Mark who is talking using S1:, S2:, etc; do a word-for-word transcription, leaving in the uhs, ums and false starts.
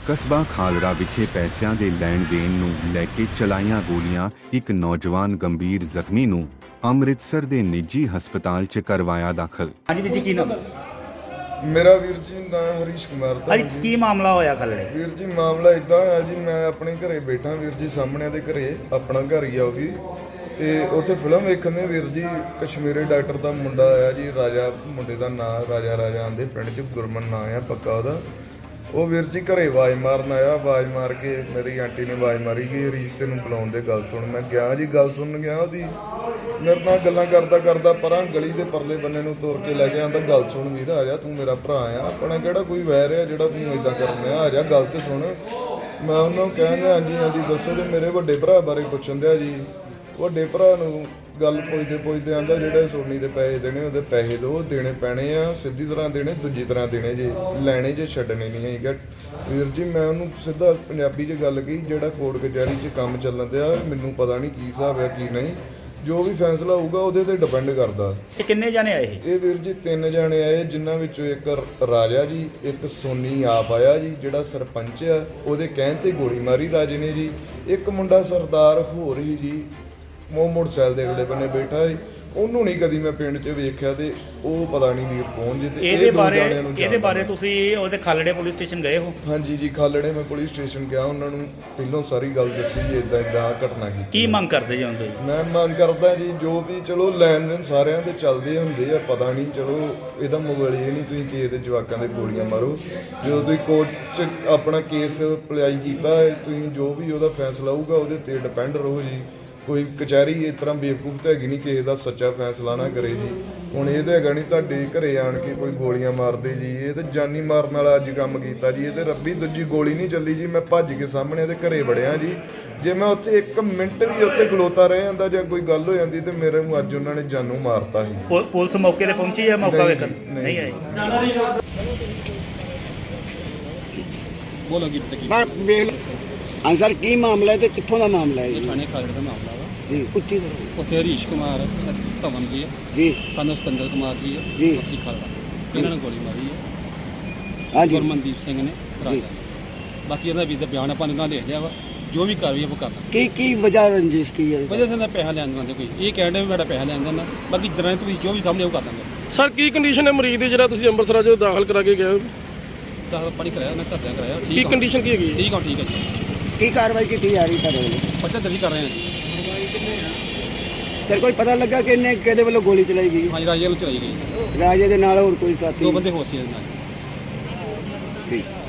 S1: ਕਸਬਾ ਖਾਲੜਾ ਵਿਖੇ ਪੈਸਿਆਂ ਦੇ ਲੈਣ ਦੇਣ ਨੂੰ ਲੈ ਕੇ ਚਲਾਈਆਂ ਗੋਲੀਆਂ, ਇੱਕ ਨੌਜਵਾਨ ਗੰਭੀਰ ਜ਼ਖਮੀ ਨੂੰ ਅੰਮ੍ਰਿਤਸਰ ਦੇ ਨਿੱਜੀ ਹਸਪਤਾਲ 'ਚ ਕਰਵਾਇਆ ਦਾਖਲ।
S2: ਹਾਂਜੀ ਵੀਰ ਜੀ, ਕੀ ਨਾਮ?
S3: ਮੇਰਾ ਵੀਰ ਜੀ ਨਾਂ ਹਰੀਸ਼ ਕੁਮਾਰ ਦਾ।
S2: ਅੱਜ ਕੀ ਮਾਮਲਾ ਹੋਇਆ ਖਲੜੇ?
S3: ਵੀਰ ਜੀ ਮਾਮਲਾ ਇਦਾਂ ਹੋਇਆ ਜੀ, ਮੈਂ ਆਪਣੇ ਘਰੇ ਬੈਠਾ ਵੀਰ ਜੀ, ਸਾਹਮਣੇ ਦੇ ਘਰੇ, ਆਪਣਾ ਘਰ ਹੀ ਆ ਉਹ ਵੀ, ਤੇ ਉੱਥੇ ਫਿਲਮ ਵੇਖਣ ਦੇ ਵੀਰ ਜੀ ਕਸ਼ਮੀਰੀ ਡਾਕਟਰ ਦਾ ਮੁੰਡਾ ਆਇਆ ਜੀ, ਰਾਜਾ ਮੁੰਡੇ ਦਾ ਨਾਂ, ਰਾਜਾ ਰਾਜਾ ਆਂਦੇ, ਪਿੰਡ 'ਚ ਗੁਰਮਨ ਨਾਂ ਆ ਪੱਕਾ ਉਹਦਾ। ਉਹ ਵੀਰ ਜੀ ਘਰੇ ਆਵਾਜ਼ ਮਾਰਨ ਆਇਆ, ਆਵਾਜ਼ ਮਾਰ ਕੇ ਮੇਰੀ ਆਂਟੀ ਨੇ ਆਵਾਜ਼ ਮਾਰੀ ਕਿ ਹਰੀਸ਼ ਤੈਨੂੰ ਬੁਲਾਉਣ ਦੇ, ਗੱਲ ਸੁਣ। ਮੈਂ ਗਿਆ ਜੀ, ਗੱਲ ਸੁਣਨ ਗਿਆ ਉਹਦੀ, ਮੇਰੇ ਨਾਲ ਗੱਲਾਂ ਕਰਦਾ ਕਰਦਾ ਪਰਾਂ ਗਲੀ ਦੇ ਪਰਲੇ ਬੰਨੇ ਨੂੰ ਤੁਰ ਕੇ ਲੈ ਕੇ ਆਂਦਾ, ਗੱਲ ਸੁਣ ਵੀਰ, ਆ ਜਾ, ਤੂੰ ਮੇਰਾ ਭਰਾ ਆ, ਆਪਣਾ ਕਿਹੜਾ ਕੋਈ ਵੈਰ ਆ ਜਿਹੜਾ ਤੂੰ ਇਦਾਂ ਕਰਨ ਆ, ਆ ਜਾ ਗੱਲ ਤੇ ਸੁਣ। ਮੈਂ ਉਹਨੂੰ ਕਹਿੰਦਾ ਹਾਂਜੀ ਹਾਂਜੀ ਦੱਸੋ ਜੀ, ਮੇਰੇ ਵੱਡੇ ਭਰਾ ਬਾਰੇ ਪੁੱਛਣ ਦਿਆ ਜੀ। ਵੱਡੇ ਭਰਾ ਨੂੰ ਗੱਲ ਪੁੱਛਦੇ ਪੁੱਛਦੇ ਆਂਦਾ ਜਿਹੜੇ ਸੋਨੀ ਦੇ ਪੈਸੇ ਦੇਣੇ ਉਹਦੇ ਪੈਸੇ ਦਿਓ, ਦੇਣੇ ਪੈਣੇ ਆ, ਸਿੱਧੀ ਤਰ੍ਹਾਂ ਦੇਣੇ, ਦੂਜੀ ਤਰ੍ਹਾਂ ਦੇਣੇ ਜੇ, ਲੈਣੇ ਜੇ, ਛੱਡਣੇ ਨਹੀਂ ਹੈਗਾ। ਵੀਰ ਜੀ ਮੈਂ ਉਹਨੂੰ ਸਿੱਧਾ ਪੰਜਾਬੀ 'ਚ ਗੱਲ ਕਹੀ, ਜਿਹੜਾ ਕੋਰਟ ਕਚਹਿਰੀ 'ਚ ਕੰਮ ਚੱਲਣ ਦਿਆ, ਮੈਨੂੰ ਪਤਾ ਨਹੀਂ ਕੀ ਹਿਸਾਬ ਆ ਕੀ ਨਹੀਂ, ਜੋ ਵੀ ਫੈਸਲਾ ਹੋਊਗਾ ਉਹਦੇ ਤੇ ਡਿਪੈਂਡ ਕਰਦਾ।
S2: ਇਹ ਕਿੰਨੇ ਜਾਣੇ ਆਏ?
S3: ਇਹ ਵੀਰ ਜੀ ਤਿੰਨ ਜਾਣੇ ਆਏ, ਜਿਨ੍ਹਾਂ ਵਿੱਚੋਂ ਇੱਕ ਰਾਜਾ ਜੀ, ਇੱਕ ਸੋਨੀ ਆਪ ਆਇਆ ਜੀ ਜਿਹੜਾ ਸਰਪੰਚ ਆ, ਉਹਦੇ ਕਹਿਣ ਤੇ ਗੋਲੀ ਮਾਰੀ ਰਾਜੇ ਨੇ ਜੀ। ਇੱਕ ਮੁੰਡਾ ਸਰਦਾਰ ਹੋਰ ਹੀ ਜੀ, ਮੋ ਮੋਟਰਸਾਈਕਲ ਦੇ ਅਗਲੇ ਬੰਨੇ ਬੈਠਾ ਸੀ, ਉਹਨੂੰ ਨਹੀਂ ਕਦੀ ਮੈਂ ਪਿੰਡ 'ਚ ਵੇਖਿਆ, ਤੇ ਉਹ ਪਤਾ ਨਹੀਂ ਵੀਰ ਕੌਣ ਜੀ। ਤੇ
S2: ਇਹਦੇ ਬਾਰੇ ਇਹਦੇ ਬਾਰੇ ਤੁਸੀਂ ਉਹਦੇ ਖਾਲੜੇ ਪੁਲਿਸ ਸਟੇਸ਼ਨ ਗਏ ਹੋ?
S3: ਹਾਂਜੀ ਜੀ, ਖਾਲੜੇ ਮੈਂ ਪੁਲਿਸ ਸਟੇਸ਼ਨ ਗਿਆ, ਉਹਨਾਂ ਨੂੰ ਪਹਿਲਾਂ ਸਾਰੀ ਗੱਲ ਦੱਸੀ ਜੀ, ਇਦਾਂ ਇਦਾਂ ਘਟਨਾ ਕੀਤੀ।
S2: ਕੀ ਮੰਗ ਕਰਦੇ ਜੀ ਹੁਣ ਤੁਸੀਂ?
S3: ਮੈਂ ਮੰਗ ਕਰਦਾ ਜੀ, ਜੋ ਵੀ ਚਲੋ ਲੈਣ ਦੇਣ ਸਾਰਿਆਂ ਦੇ ਚੱਲਦੇ ਹੁੰਦੇ ਆ, ਪਤਾ ਨਹੀਂ, ਚਲੋ ਇਹਦਾ ਮੁਗਲ ਇਹ ਨਹੀਂ ਤੁਸੀਂ ਕਿਸੇ ਦੇ ਜਵਾਕਾਂ ਦੇ ਗੋਲੀਆਂ ਮਾਰੋ। ਜਦੋਂ ਤੁਸੀਂ ਕੋਰਟ 'ਚ ਆਪਣਾ ਕੇਸ ਅਪਲਾਈ ਕੀਤਾ, ਤੁਸੀਂ ਜੋ ਵੀ ਉਹਦਾ ਫੈਸਲਾ ਹੋਊਗਾ ਉਹਦੇ ਤੇ ਡਿਪੈਂਡ ਰਹੋ ਜੀ। ਕੋਈ ਕਚਹਿਰੀ ਇਸ ਤਰ੍ਹਾਂ ਬੇਵਕੂਫ ਤਾਂ ਹੈਗੀ ਨਹੀਂ, ਕਿਸੇ ਦਾ ਸੱਚਾ ਫੈਸਲਾ ਨਾ ਕਰੇ ਜੀ। ਹੁਣ ਇਹ ਤਾਂ ਹੈਗਾ ਨਹੀਂ ਤੁਹਾਡੇ ਘਰੇ ਆਣ ਕੇ ਕੋਈ ਗੋਲੀਆਂ ਮਾਰਦੇ ਜੀ, ਇਹ ਤਾਂ ਜਾਨੀ ਮਾਰਨ ਵਾਲਾ ਅੱਜ ਕੰਮ ਕੀਤਾ ਜੀ। ਇਹ ਤਾਂ ਰੱਬੀ ਦੂਜੀ ਗੋਲੀ ਨਹੀਂ ਚੱਲੀ ਜੀ, ਮੈਂ ਭੱਜ ਕੇ ਸਾਹਮਣੇ ਇਹਦੇ ਘਰੇ ਵੜਿਆ ਜੀ। ਜੇ ਮੈਂ ਉੱਥੇ ਇੱਕ ਮਿੰਟ ਵੀ ਉੱਥੇ ਖਲੋਤਾ ਰਹਿ ਜਾਂਦਾ ਜਾਂ ਕੋਈ ਗੱਲ ਹੋ ਜਾਂਦੀ ਤੇ ਮੇਰੇ ਨੂੰ ਅੱਜ ਉਹਨਾਂ ਨੇ ਜਾਨੋਂ ਮਾਰਤਾ ਸੀ।
S2: ਪੁਲਿਸ ਮੌਕੇ ਤੇ ਪਹੁੰਚੀ ਹੈ? ਮੌਕਾ ਵੇਖਣ ਨਹੀਂ ਆਈ।
S4: ਬੋਲੋ ਗੀਤ ਕੀ
S5: ਹਾਂ ਸਰ, ਕੀ ਮਾਮਲਾ ਹੈ ਤੇ ਕਿੱਥੋਂ ਦਾ ਮਾਮਲਾ ਹੈ?
S4: ਇਹ ਥਾਣੇ ਖਾਲੜੇ ਦਾ ਮਾਮਲਾ ਵਾ
S5: ਜੀ, ਉੱਚੀ ਕਰੋ।
S4: ਉੱਥੇ ਹਰੀਸ਼ ਕੁਮਾਰ ਧਵਨ ਜੀ ਹੈ
S5: ਜੀ,
S4: ਸਾਨੂੰ ਸਤਿੰਦਰ ਕੁਮਾਰ ਜੀ ਹੈ
S5: ਜੀ,
S4: ਅਸੀਂ ਖਾਲੜਾ, ਇਹਨਾਂ ਨੇ ਗੋਲੀ ਮਾਰੀ ਹੈ।
S5: ਹਾਂਜੀ,
S4: ਗੁਰਮਨਦੀਪ ਸਿੰਘ ਨੇ ਰਾਜਾ। ਬਾਕੀ ਇਹਦਾ ਵੀ ਦਾ ਬਿਆਨ ਆਪਾਂ ਨੂੰ ਦੇ ਦਿਆ ਵਾ, ਜੋ ਵੀ ਕਾਰਵਾਈ ਆਪਾਂ ਕਰਨਾ।
S5: ਕੀ ਕੀ ਵਜ੍ਹਾ ਰੰਜਿਸ਼ ਕੀ ਹੈ?
S4: ਵਜ੍ਹਾ ਸੇ ਦਾ ਪੈਸਾ ਲੈਣ ਦਿੰਦੇ ਕੋਈ, ਇਹ ਕਹਿੰਦੇ ਵੀ ਮੇਰਾ ਪੈਸਾ ਲੈਣ ਦਿੰਦਾ, ਬਾਕੀ ਦਰਾਂ ਤੁਸੀਂ ਜੋ ਵੀ ਸਾਹਮਣੇ ਉਹ ਕਰ ਦਾਂਗੇ।
S6: ਸਰ ਕੀ ਕੰਡੀਸ਼ਨ ਹੈ ਮਰੀਜ਼ ਦੀ ਜਿਹੜਾ ਤੁਸੀਂ ਅੰਮ੍ਰਿਤਸਰ ਜੋ ਦਾਖਲ ਕਰਾ ਕੇ ਗਏ ਹੋ?
S4: ਦਾਖਲ ਪਾਣੀ ਕਰਾਇਆ, ਮੈਂ ਘਰਦਿਆਂ ਕਰਾਇਆ।
S6: ਕੀ
S4: ਠੀਕ
S6: ਕੰਡੀਸ਼ਨ ਕੀ ਹੈਗੀ?
S4: ਠੀਕ ਆ, ਠੀਕ ਹੈ ਜੀ।
S5: ਕੀ ਕਾਰਵਾਈ ਕੀਤੀ ਜਾ ਰਹੀ ਤੁਹਾਡੇ ਵੱਲੋਂ?
S4: ਪੱਚਾ ਦਰਜ ਕਰ ਰਹੇ ਹਾਂ ਜੀ।
S5: ਸਰ ਕੋਈ ਪਤਾ ਲੱਗਾ ਕਿ ਇਹਨੇ ਕਿਹਦੇ ਵੱਲੋਂ ਗੋਲੀ ਚਲਾਈ ਗਈ?
S4: ਹਾਂਜੀ, ਰਾਜੇ ਨੂੰ ਚਲਾਈ ਗਈ।
S5: ਰਾਜੇ ਦੇ ਨਾਲ ਹੋਰ ਕੋਈ ਸਾਥੀ?
S4: ਦੋ ਬੰਦੇ ਹੋਰ ਸੀ ਇਹਦੇ ਨਾਲ।
S5: ਸੀ।